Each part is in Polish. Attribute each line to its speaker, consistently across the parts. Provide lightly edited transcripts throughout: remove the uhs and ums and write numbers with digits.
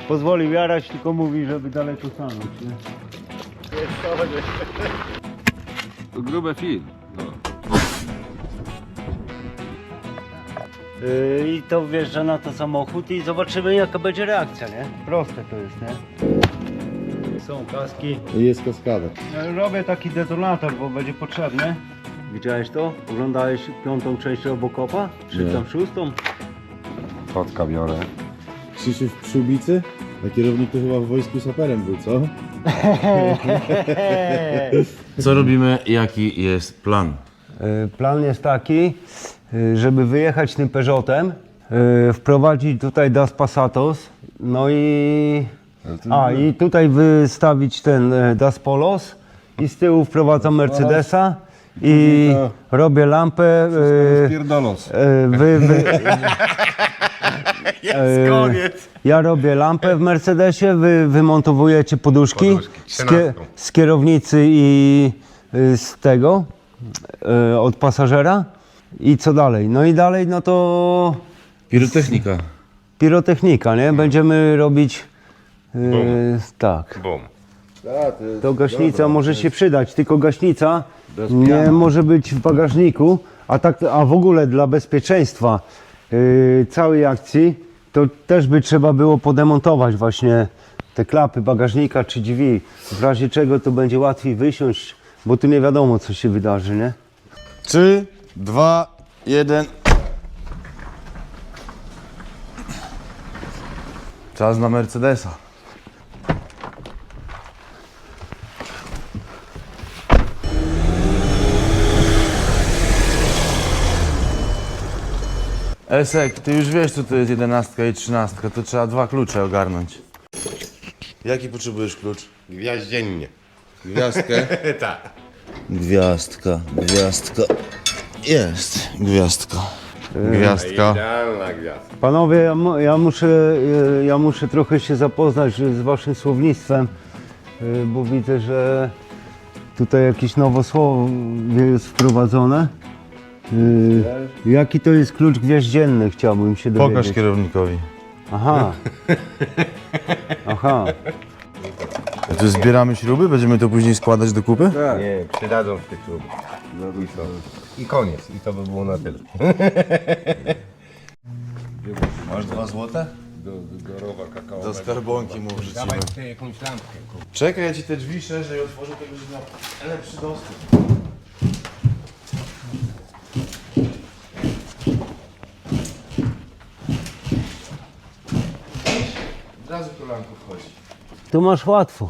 Speaker 1: Pozwolił jarać, tylko mówi, żeby daleko stanąć, nie?
Speaker 2: To grube film. No.
Speaker 1: I to wjeżdża na to samochód i zobaczymy, jaka będzie reakcja, nie? Proste to jest, nie? Są kaski.
Speaker 3: Jest kaskada.
Speaker 1: Robię taki detonator, bo będzie potrzebny. Widziałeś to? Oglądałeś 5. część Robocopa? Czy
Speaker 3: Nie.
Speaker 1: tam 6?
Speaker 2: Kotka biorę.
Speaker 3: Krzysiu w Przyłbicy? A kierownik to chyba w wojsku saperem był, co? Co robimy? Jaki jest plan?
Speaker 1: Plan jest taki, żeby wyjechać tym Peugeotem, wprowadzić tutaj Das Passatos, no i i tutaj wystawić ten Das Polos i z tyłu wprowadzam Mercedesa i robię lampę.
Speaker 2: Pierdolos.
Speaker 1: Jest koniec. Ja robię lampę w Mercedesie, wy wymontowujecie poduszki z kierownicy i z tego, od pasażera. I co dalej? No i dalej, no to
Speaker 3: Pirotechnika.
Speaker 1: pirotechnika, nie? Będziemy robić, tak.
Speaker 2: Bum.
Speaker 1: To gaśnica może się przydać, tylko gaśnica nie może być w bagażniku, a w ogóle dla bezpieczeństwa całej akcji to też by trzeba było podemontować właśnie te klapy bagażnika czy drzwi, w razie czego to będzie łatwiej wysiąść, bo tu nie wiadomo, co się wydarzy, nie?
Speaker 3: 3, 2, 1. Czas na Mercedesa. Esek, ty już wiesz, co to jest 11 i 13, to trzeba 2 klucze ogarnąć. Jaki potrzebujesz klucz?
Speaker 2: Gwiaździennie.
Speaker 3: Gwiazdkę?
Speaker 2: Tak.
Speaker 3: Gwiazdka. Jest gwiazdka. Gwiazdka.
Speaker 2: Idealna gwiazda.
Speaker 1: Panowie, ja muszę trochę się zapoznać z waszym słownictwem, bo widzę, że tutaj jakieś nowe słowo jest wprowadzone. Jaki to jest klucz gwiaździenny, chciałbym się dowiedzieć.
Speaker 3: Pokaż kierownikowi.
Speaker 1: Aha. Aha.
Speaker 3: To zbieramy śruby? Będziemy to później składać do kupy?
Speaker 2: Nie, przydadzą w tych klubach. No i co? I koniec. I to by było na tyle.
Speaker 3: Masz 2 złote?
Speaker 2: Do rowa kakaowego.
Speaker 3: Do skarbonki mu wrzucimy.
Speaker 2: Dawaj tutaj jakąś lampkę.
Speaker 3: Czekaj, ja ci te drzwi szerzej otworzę, to będzie miał lepszy dostęp. Od razu kolanko wchodzi.
Speaker 1: Tu masz łatwo.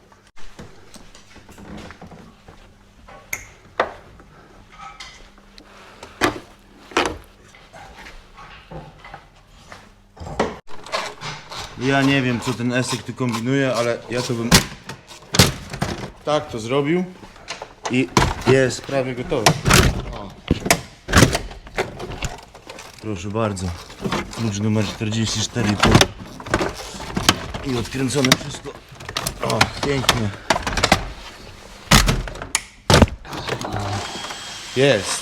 Speaker 3: Ja nie wiem, co ten Esek tu kombinuje, ale ja to bym tak to zrobił i jest prawie gotowy. O. Proszę bardzo, klucz numer 44,5 i odkręcone wszystko. O, pięknie. Jest.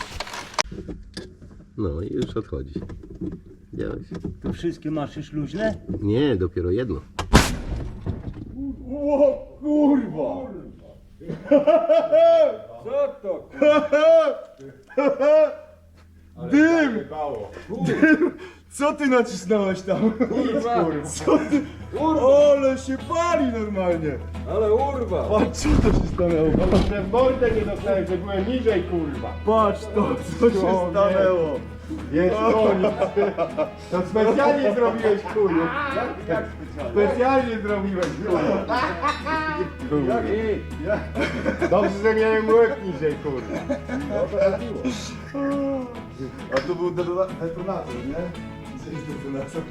Speaker 4: No i już odchodzi. Widziałeś?
Speaker 1: Tu wszystkie masz już luźne?
Speaker 4: Nie, dopiero jedno.
Speaker 3: Co ty nacisnąłeś tam? Co ty? Ale się pali normalnie!
Speaker 2: Ale urwa!
Speaker 3: Patrz, co to się stanęło?
Speaker 2: Że w mordę nie dostałem, że byłem niżej, kurwa.
Speaker 3: Patrz to, co się stanęło!
Speaker 2: Jest koniec. To specjalnie zrobiłeś, chuju. Jak specjalnie zrobiłeś, kurwa. Dobrze, że miałem łeb niżej, kurwa.
Speaker 3: A tu był detonator, nie? Co jest detonator?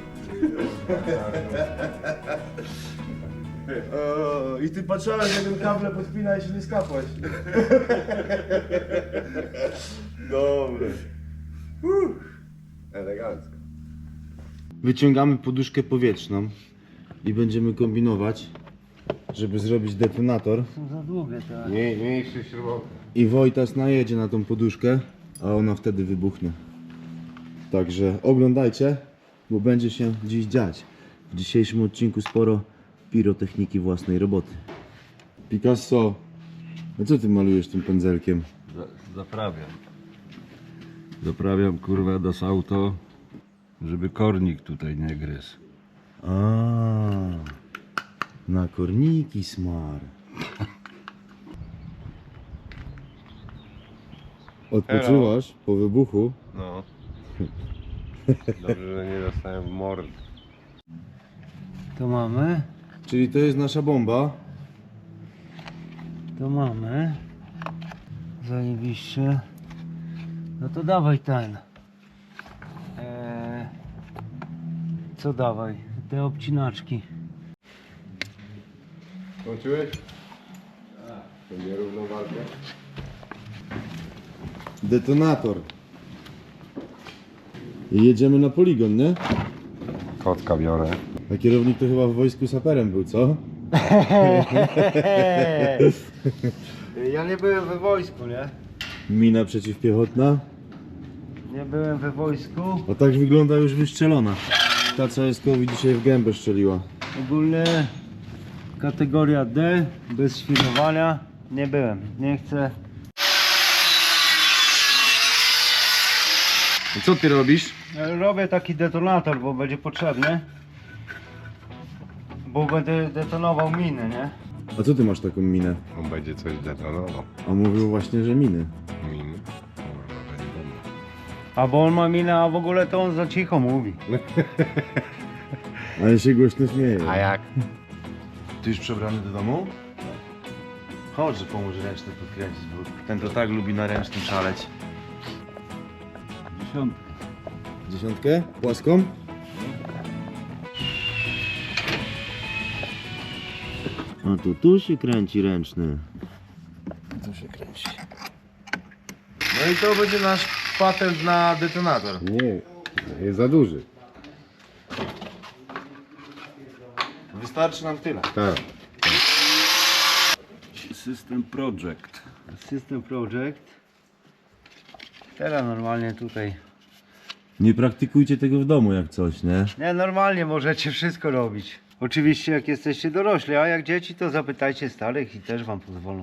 Speaker 3: I ty patrzałeś, jak ten kable podpina i się nie skapłeś. Dobre.
Speaker 2: Elegancko.
Speaker 3: Wyciągamy poduszkę powietrzną i będziemy kombinować, żeby zrobić detonator.
Speaker 1: Są za długie te.
Speaker 2: Mniejszy śrubok.
Speaker 3: I Wojtas najedzie na tą poduszkę, a ona wtedy wybuchnie. Także oglądajcie, bo będzie się dziś dziać. W dzisiejszym odcinku sporo pirotechniki własnej roboty. Picasso, a co ty malujesz tym pędzelkiem?
Speaker 5: Zaprawiam kurwa do auto, żeby kornik tutaj nie gryzł.
Speaker 3: A, na korniki smar. Odpoczywasz po wybuchu?
Speaker 2: No. Dobrze, że nie dostałem w mordę.
Speaker 1: To mamy,
Speaker 3: Czyli to jest nasza bomba.
Speaker 1: to mamy. Zajebiście. No to dawaj ten. Co dawaj? Te obcinaczki.
Speaker 2: Skończyłeś? Będzie równą walkę.
Speaker 3: Detonator. I jedziemy na poligon, nie?
Speaker 2: Kotka biorę.
Speaker 3: A kierownik to chyba w wojsku saperem był, co?
Speaker 1: Ja nie byłem we wojsku, nie?
Speaker 3: Mina przeciwpiechotna.
Speaker 1: Nie byłem we wojsku.
Speaker 3: A tak wygląda już wystrzelona. Ta co Eskowi dzisiaj w gębę strzeliła.
Speaker 1: Ogólnie kategoria D, bez świrowania. Nie byłem, nie chcę.
Speaker 3: I co ty robisz?
Speaker 1: Robię taki detonator, bo będzie potrzebny. Bo będę detonował miny, nie?
Speaker 3: A co ty masz taką minę?
Speaker 2: On będzie coś detonował.
Speaker 3: On mówił właśnie, że miny.
Speaker 2: Miny. Kurwa, będzie bomba.
Speaker 1: A bo on ma minę, a w ogóle to on za cicho mówi.
Speaker 3: Ale się głośno śmieje.
Speaker 2: A jak?
Speaker 3: Ty już przebrany do domu? Chodź, że pomóż ręczny podkręcić, bo ten to tak lubi na ręcznym szaleć.
Speaker 5: 10.
Speaker 3: Dziesiątkę? Płaską?
Speaker 4: No to tu się kręci ręczny.
Speaker 3: Tu się kręci. No i to będzie nasz patent na detonator.
Speaker 2: Nie, jest za duży.
Speaker 3: Wystarczy nam tyle.
Speaker 2: Tak.
Speaker 5: System Project.
Speaker 1: System Project. Teraz normalnie tutaj.
Speaker 3: Nie praktykujcie tego w domu jak coś, nie?
Speaker 1: Nie, normalnie możecie wszystko robić. Oczywiście jak jesteście dorośli, a jak dzieci to zapytajcie starych i też wam pozwolą.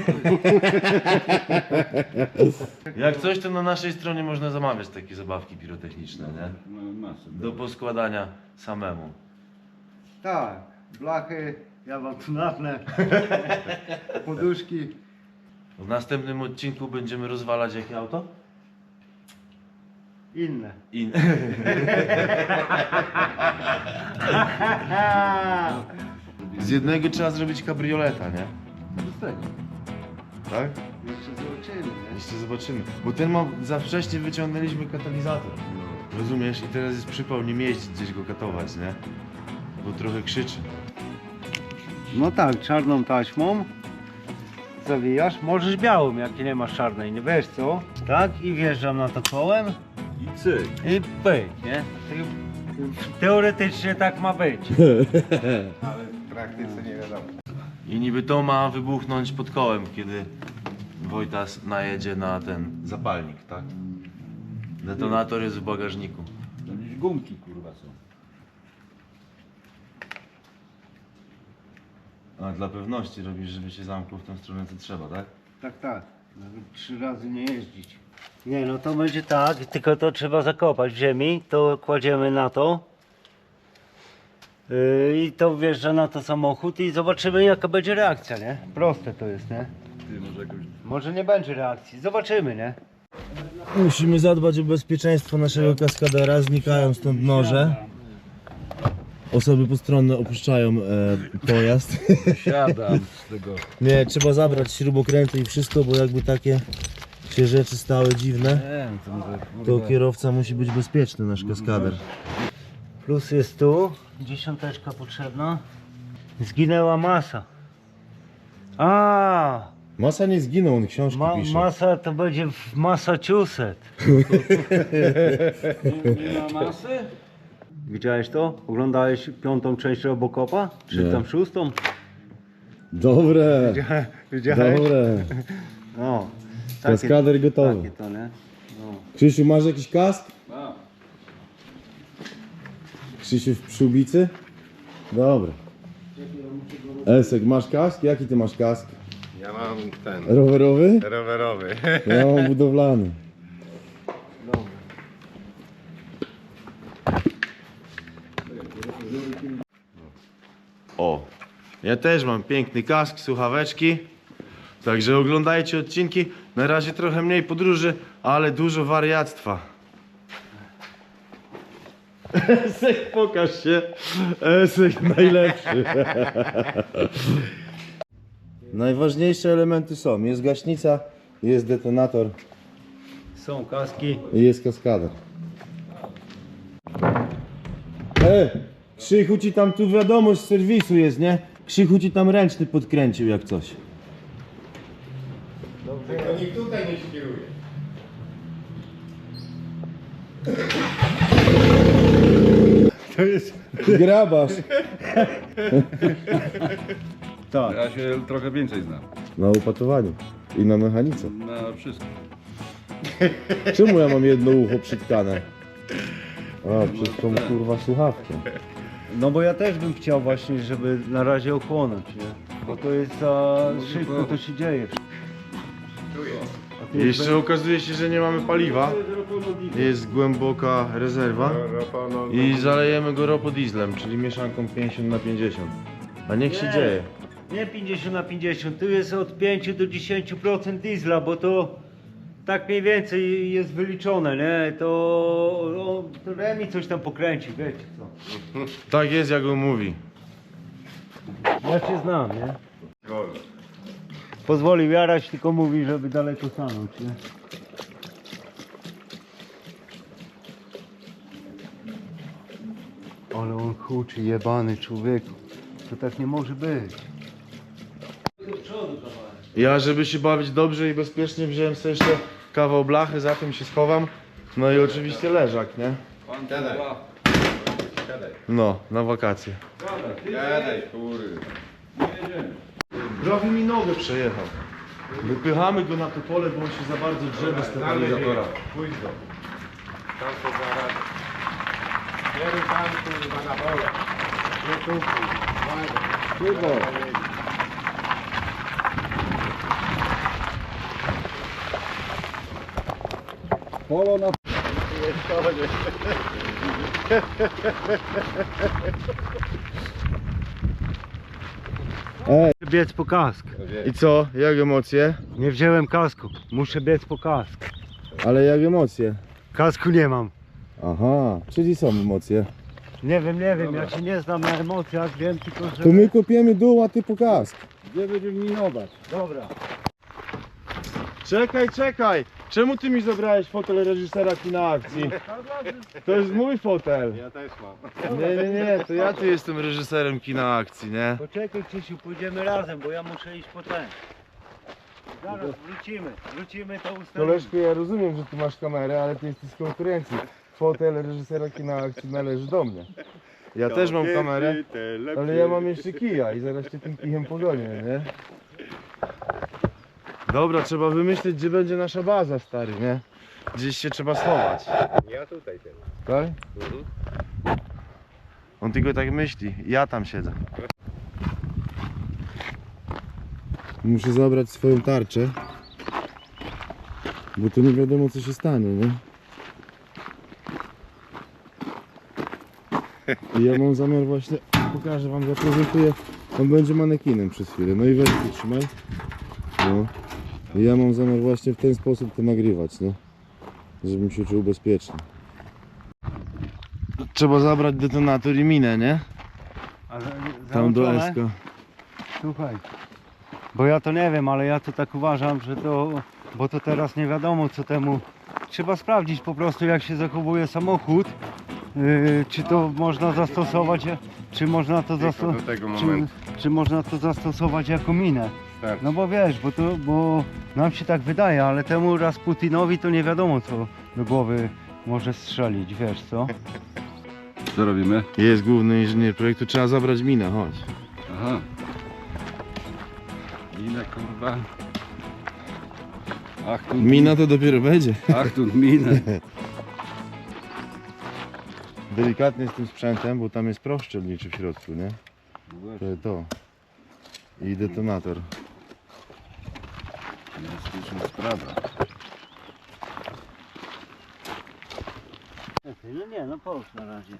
Speaker 3: Jak coś, to na naszej stronie można zamawiać takie zabawki pirotechniczne, nie?
Speaker 5: No, masę.
Speaker 3: Do poskładania samemu.
Speaker 1: Tak, blachy, ja wam tu napnę. Poduszki.
Speaker 3: W następnym odcinku będziemy rozwalać jakie auto?
Speaker 1: Inne.
Speaker 3: Z jednego trzeba zrobić kabrioleta, nie?
Speaker 5: Z tego.
Speaker 3: Tak?
Speaker 1: Jeszcze zobaczymy, nie?
Speaker 3: Jeszcze zobaczymy. Bo ten ma, za wcześnie wyciągnęliśmy katalizator. Rozumiesz? I teraz jest przypał nim jeździć, gdzieś go katować, nie? Bo trochę krzyczy.
Speaker 1: No tak, czarną taśmą zawijasz, możesz białą, jak nie masz czarnej, nie wiesz co? Tak, i wjeżdżam na to kołem
Speaker 5: I cyk.
Speaker 1: i pyk, nie? Teoretycznie tak ma być.
Speaker 2: Ale w praktyce nie wiadomo.
Speaker 3: I niby to ma wybuchnąć pod kołem, kiedy Wojtas najedzie na ten zapalnik, tak? Detonator jest w bagażniku.
Speaker 5: To gdzieś gumki kurwa są.
Speaker 3: A dla pewności robisz, żeby się zamknął w tę stronę, co trzeba, tak?
Speaker 1: Tak, tak. Nawet 3 razy nie jeździć. Nie, no to będzie tak, tylko to trzeba zakopać w ziemi, to kładziemy na to. I to wjeżdża na to samochód i zobaczymy jaka będzie reakcja, nie? Proste to jest, nie?
Speaker 5: Ty może jakoś...
Speaker 1: Może nie będzie reakcji, zobaczymy, nie?
Speaker 3: Musimy zadbać o bezpieczeństwo naszego kaskadera, znikają stąd noże. Osoby postronne opuszczają pojazd.
Speaker 5: Siadam z tego.
Speaker 3: Nie, trzeba zabrać śrubokręty i wszystko, bo jakby takie się rzeczy stały dziwne,
Speaker 5: Nie, to może
Speaker 3: to
Speaker 5: kurwa...
Speaker 3: kierowca musi być bezpieczny, nasz kaskader.
Speaker 1: Plus jest tu, dziesiąteczka potrzebna. Zginęła masa. A,
Speaker 3: Masa nie zginął, on książki pisze.
Speaker 1: masa to będzie w Massachusetts.
Speaker 5: Nie ma masy?
Speaker 1: Widziałeś to? Oglądałeś 5. część Robocopa? Czy
Speaker 3: Nie.
Speaker 1: tam 6?
Speaker 3: Dobre,
Speaker 1: Widziałeś?
Speaker 3: dobre.
Speaker 1: No.
Speaker 3: Kaskader gotowy.
Speaker 1: Takie to, nie? No.
Speaker 3: Krzysiu, masz jakiś kask?
Speaker 5: A,
Speaker 3: Krzysiu w przyłbicy?
Speaker 6: Dobra. Esek, masz kask? Jaki ty masz kask?
Speaker 2: Ja mam ten,
Speaker 6: Rowerowy?
Speaker 2: rowerowy.
Speaker 6: Ja mam budowlany.
Speaker 3: O, ja też mam piękny kask, słuchaweczki. Także oglądajcie odcinki. Na razie trochę mniej podróży, ale dużo wariactwa. Esek, pokaż się. Esek najlepszy.
Speaker 6: Najważniejsze elementy są. Jest gaśnica, jest detonator
Speaker 1: Są kaski.
Speaker 6: i jest kaskader. Krzychu ci tam tu wiadomość z serwisu jest, nie? Krzychu ci tam ręczny podkręcił jak coś.
Speaker 2: Tylko nikt tutaj nie świruje.
Speaker 6: To jest grabarz.
Speaker 1: Tak.
Speaker 5: Ja się trochę więcej znam.
Speaker 6: Na upatowaniu i na mechanice.
Speaker 5: Na wszystko.
Speaker 6: Czemu ja mam jedno ucho przytkane? A, przez tą kurwa słuchawkę.
Speaker 1: No bo ja też bym chciał właśnie, żeby na razie ochłonąć, nie? Bo to jest za szybko, to się dzieje. A tu jest
Speaker 3: Jeszcze okazuje się, że nie mamy paliwa. Jest głęboka rezerwa. I zalejemy go ropodieslem, czyli mieszanką 50/50. A niech się
Speaker 1: Nie.
Speaker 3: dzieje.
Speaker 1: Nie 50/50, tu jest od 5 do 10% diesla, bo to tak mniej więcej jest wyliczone, nie? To Remi coś tam pokręci, wiecie co.
Speaker 3: Tak jest, jak on mówi.
Speaker 1: Ja cię znam, nie? Pozwolił jarać, tylko mówi, żeby daleko stanąć, nie? Ale on huczy, jebany człowieku. To tak nie może być.
Speaker 3: Ja, żeby się bawić dobrze i bezpiecznie, wziąłem sobie jeszcze kawał blachy, za tym się schowam. No i oczywiście leżak, nie?
Speaker 2: Siadaj.
Speaker 3: No, na wakacje.
Speaker 2: Siadaj, kury.
Speaker 3: Prawie mi nogę przejechał. Wypychamy go na to pole, bo on się za bardzo drze bez stabilizatora.
Speaker 2: Pójdź go. Tam to zaraz. Kieruj tam, kurwa, na pole. Nie tu, kurwa.
Speaker 5: Polo na...
Speaker 1: Biec po kask.
Speaker 3: I co? Jak emocje?
Speaker 1: Nie wziąłem kasku. Muszę biec po kask.
Speaker 6: Ale jak emocje?
Speaker 1: Kasku nie mam.
Speaker 6: Aha, czyli są emocje.
Speaker 1: Nie wiem, ja się nie znam na emocjach, wiem tylko, że...
Speaker 6: To my kopiemy dół, a ty po kask.
Speaker 5: Gdzie będziemy minować?
Speaker 1: Dobra.
Speaker 3: Czekaj! Czemu ty mi zabrałeś fotel reżysera kina akcji? To jest mój fotel.
Speaker 2: Ja też mam.
Speaker 3: Nie, to ja tu jestem reżyserem kina akcji, nie?
Speaker 1: Poczekaj Krzysiu, pójdziemy razem, bo ja muszę iść po ten. Zaraz wrócimy to ustalimy.
Speaker 3: Koleżko, ja rozumiem, że ty masz kamerę, ale ty jesteś z konkurencji. Fotel reżysera kina akcji należy do mnie. Ja też mam kamerę, ale ja mam jeszcze kija i zaraz cię tym kijem pogonię, nie? Dobra, trzeba wymyślić, gdzie będzie nasza baza, stary, nie? Gdzieś się trzeba schować.
Speaker 2: Ja tutaj teraz.
Speaker 3: Tak? On tylko tak myśli, ja tam siedzę.
Speaker 6: Muszę zabrać swoją tarczę, bo to nie wiadomo co się stanie, nie? I ja mam zamiar właśnie, pokażę wam, zaprezentuję, on będzie manekinem przez chwilę, no i weź tu trzymaj. No. I ja mam zamiar właśnie w ten sposób to nagrywać, nie? Żebym się czuł bezpiecznie.
Speaker 3: Trzeba zabrać detonator i minę, nie?
Speaker 1: Ale
Speaker 3: Tam do
Speaker 1: załączone?
Speaker 3: Esko.
Speaker 1: Słuchaj, bo ja to nie wiem, ale ja to tak uważam, że to, bo to teraz nie wiadomo co temu, trzeba sprawdzić po prostu jak się zachowuje samochód, czy to można zastosować, czy można to,
Speaker 2: do tego momentu.
Speaker 1: czy można to zastosować jako minę.
Speaker 2: Starczy.
Speaker 1: No bo wiesz, bo nam się tak wydaje, ale temu Rasputinowi to nie wiadomo co do głowy może strzelić, wiesz co?
Speaker 5: Co robimy?
Speaker 3: Jest główny inżynier projektu, trzeba zabrać minę, chodź.
Speaker 5: Aha. Minę, kurwa. Ach tu
Speaker 3: Mina to dopiero będzie.
Speaker 5: Ach tu minę.
Speaker 6: delikatnie z tym sprzętem, bo tam jest proch szczelniczy w środku, nie? To. I detonator.
Speaker 5: Niebezpieczna sprawa.
Speaker 1: No nie, no połóż na razie.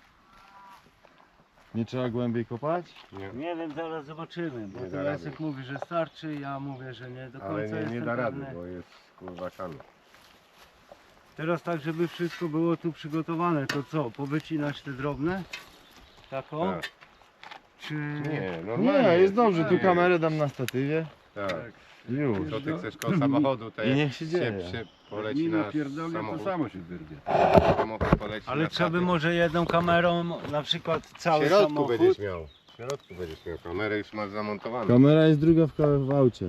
Speaker 6: Nie trzeba głębiej kopać?
Speaker 1: Nie wiem, zaraz zobaczymy, bo
Speaker 2: Nie
Speaker 1: to
Speaker 2: da
Speaker 1: Jacek
Speaker 2: rady.
Speaker 1: mówi, że starczy, ja mówię, że nie do końca
Speaker 2: Ale nie
Speaker 1: jestem
Speaker 2: da rady,
Speaker 1: pewny.
Speaker 2: bo jest kurwa kano.
Speaker 1: Teraz tak, żeby wszystko było tu przygotowane, to co, powycinać te drobne? Tako?
Speaker 2: Tak.
Speaker 1: Czy...
Speaker 2: Nie, normalnie.
Speaker 6: Nie, jest dobrze, tu
Speaker 2: Nie.
Speaker 6: kamerę dam na statywie.
Speaker 2: Tak.
Speaker 6: Już.
Speaker 2: To ty chcesz koło samochodu, to
Speaker 6: I
Speaker 2: jak
Speaker 6: niech się dzieje.
Speaker 2: poleci
Speaker 5: Mina
Speaker 2: na
Speaker 5: pierdolnie, to
Speaker 2: samochód.
Speaker 5: samo się wyrwie.
Speaker 2: Samochód poleci
Speaker 1: Ale
Speaker 2: na
Speaker 1: trzeba by
Speaker 2: statek.
Speaker 1: może jedną kamerą, na przykład
Speaker 2: W
Speaker 1: cały
Speaker 2: środku
Speaker 1: samochód.
Speaker 2: będziesz miał. W środku będziesz miał kamerę, już masz zamontowaną.
Speaker 6: Kamera jest druga w aucie.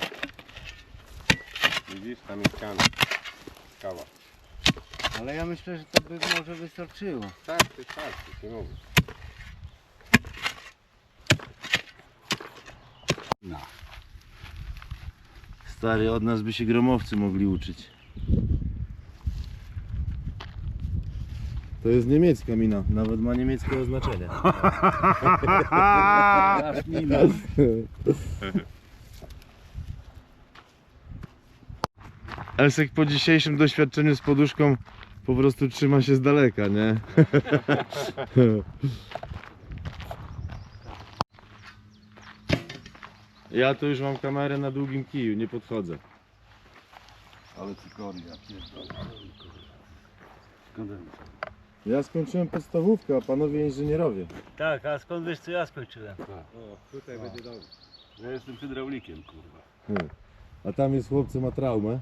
Speaker 2: Widzisz, tam jest kano. Kawa.
Speaker 1: Ale ja myślę, że to by może wystarczyło.
Speaker 2: Tak, ty ci mówię.
Speaker 6: Stary, od nas by się gromowcy mogli uczyć. To jest niemiecka mina, nawet ma niemieckie oznaczenie. Elsek po dzisiejszym doświadczeniu z poduszką po prostu trzyma się z daleka, nie? Ja tu już mam kamerę na długim kiju, nie podchodzę.
Speaker 5: Ale cykoria, pierdolę. Skąd
Speaker 6: Ja skończyłem podstawówkę, a panowie inżynierowie.
Speaker 1: Tak, a skąd wiesz co ja skończyłem?
Speaker 2: O, tutaj będzie dobrze.
Speaker 5: Ja jestem hydraulikiem, kurwa.
Speaker 6: A tam jest chłopcy ma traumę.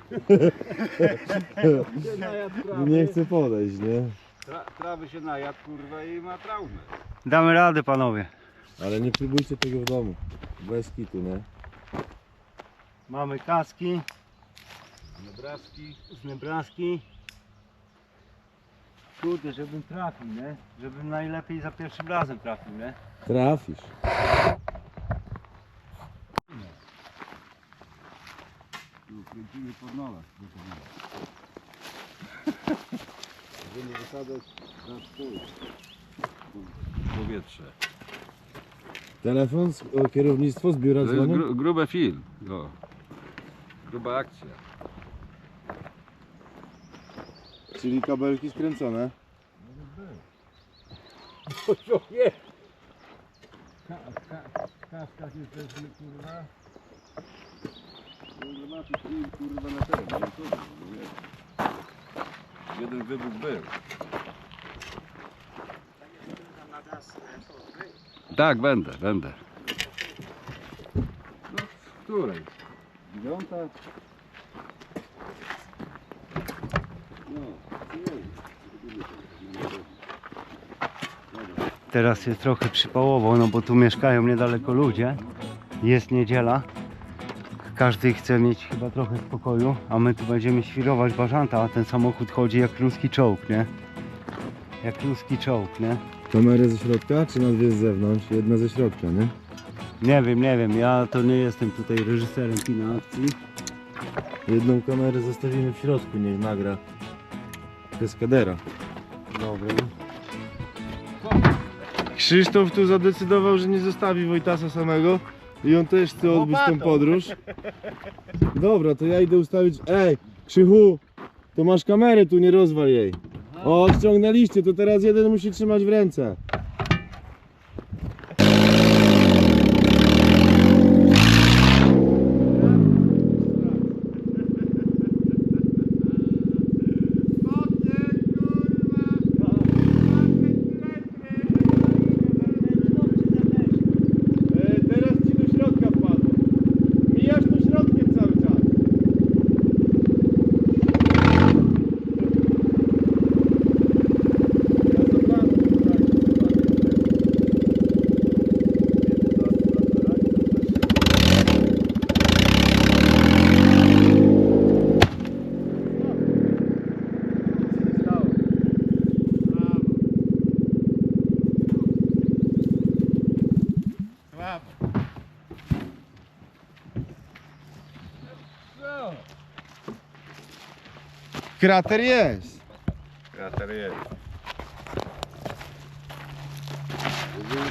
Speaker 6: Nie chce podejść, nie?
Speaker 5: Trawy się najadł, kurwa, i ma traumę.
Speaker 1: Damy radę, panowie.
Speaker 6: Ale nie próbujcie tego w domu. Bez kitu, nie?
Speaker 1: Mamy kaski
Speaker 5: Nebraski.
Speaker 1: z Nebraski. Kurde, żebym trafił, nie? Żebym najlepiej za pierwszym razem trafił, nie?
Speaker 6: Trafisz.
Speaker 5: Tu kręcimy pod nolach. Będziemy wysadzać na stół. Powietrze.
Speaker 6: Telefon, kierownictwo z biura
Speaker 5: To jest
Speaker 6: dzwonią?
Speaker 5: grube film. O. Gruba akcja.
Speaker 6: Czyli kabelki skręcone.
Speaker 5: Kaskach jesteśmy, kurwa. No zobaczysz film, kurwa, na ten. No co, no wiesz. Jeden wybuch był. Tak, będę. No, w której? 9? No,
Speaker 1: Teraz jest trochę przypałowo, no bo tu mieszkają niedaleko ludzie. Jest niedziela. Każdy chce mieć chyba trochę spokoju, a my tu będziemy świrować bażanta, a ten samochód chodzi jak ruski czołg, nie? Jak ruski czołg, nie?
Speaker 6: Kamerę ze środka, czy na dwie z zewnątrz? Jedna ze środka, nie?
Speaker 1: Nie wiem, ja to nie jestem tutaj reżyserem kina akcji.
Speaker 6: Jedną kamerę zostawimy w środku, niech nagra kaskadera.
Speaker 1: Dobry.
Speaker 6: Krzysztof tu zadecydował, że nie zostawi Wojtasa samego i on też chce odbyć tą podróż. Dobra, to ja idę ustawić... Ej, Krzychu, to masz kamerę tu, nie rozwal jej. O, ściągnęliście, to teraz jeden musi trzymać w ręce. Teraz ci do środka wpadło. Mijasz tu środkiem cały czas. Krater jest.
Speaker 2: Krater jest.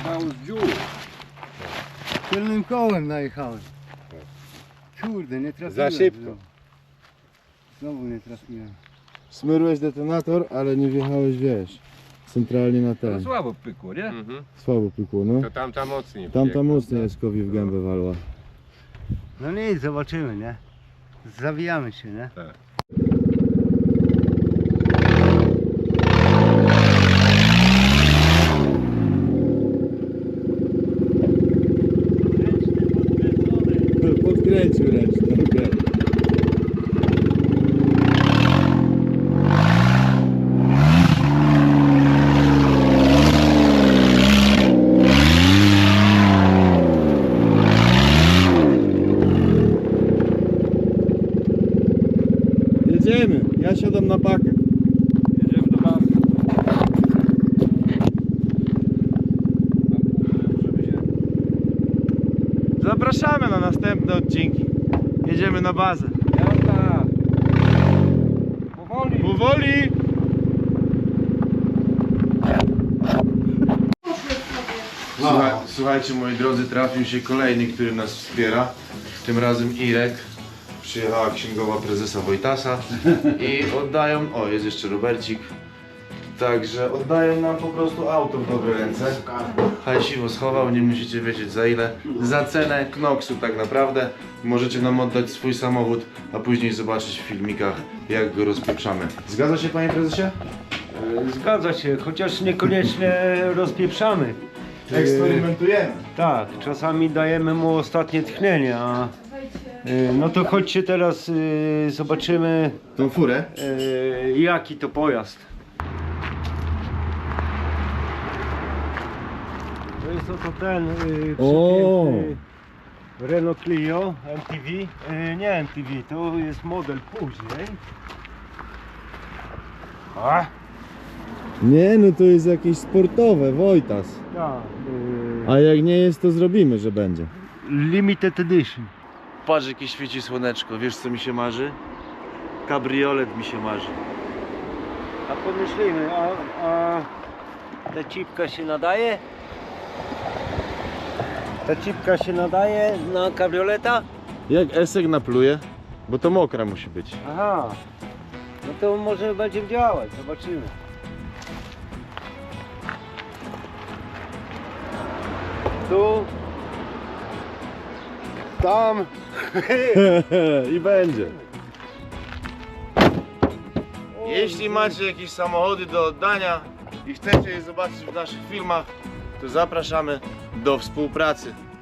Speaker 5: wyjechało z dziur.
Speaker 1: Tylnym kołem najechałem. Kurde, nie trafiłem.
Speaker 2: Za szybko.
Speaker 1: Znowu nie trafiłem.
Speaker 6: Smyrłeś detonator, ale nie wjechałeś, wiesz, centralnie na
Speaker 5: To
Speaker 6: ten.
Speaker 5: słabo pykło, nie?
Speaker 6: Słabo pykło, no.
Speaker 2: To tamta mocniej.
Speaker 6: Tamta mocniej Jaskowi w gębę walła.
Speaker 1: No nic, zobaczymy, nie? Zawijamy się, nie?
Speaker 6: Podkręcił ręcznie, okej. Jedziemy, ja siadam na pakę.
Speaker 5: Jedziemy do bazy.
Speaker 3: Zapraszamy na następne odcinki. Jedziemy na bazę.
Speaker 5: Jazda! Powoli!
Speaker 3: Powoli! Słuchajcie moi drodzy, trafił się kolejny, który nas wspiera. Tym razem Irek. Przyjechała księgowa prezesa Wojtasa i oddają, o jest jeszcze Robercik. Także oddają nam po prostu auto w dobre ręce. Hajsiwo schował, nie musicie wiedzieć za ile. Za cenę Knoxu tak naprawdę. Możecie nam oddać swój samochód, a później zobaczyć w filmikach jak go rozpieprzamy. Zgadza się panie prezesie?
Speaker 1: Zgadza się, chociaż niekoniecznie rozpieprzamy.
Speaker 3: Eksperymentujemy.
Speaker 1: Tak, czasami dajemy mu ostatnie tchnienie, a no to chodźcie teraz zobaczymy
Speaker 3: Tą furę?
Speaker 1: jaki to pojazd. To jest oto ten
Speaker 6: O!
Speaker 1: przepiękny Renault Clio MTV. Nie MTV, to jest model później. A,
Speaker 6: Nie, no to jest jakieś sportowe, Wojtas.
Speaker 1: tak,
Speaker 6: A jak nie jest, to zrobimy, że będzie.
Speaker 1: limited edition.
Speaker 3: Patrz jakie świeci słoneczko, wiesz co mi się marzy? Kabriolet mi się marzy.
Speaker 1: A pomyślimy, a ta cipka się nadaje? Ta cipka się nadaje na kabrioleta?
Speaker 3: Jak Esek napluje? Bo to mokra musi być.
Speaker 1: Aha, no to może będzie działać, zobaczymy. Tu, tam.
Speaker 3: I będzie. Jeśli macie jakieś samochody do oddania i chcecie je zobaczyć w naszych filmach, to zapraszamy do współpracy.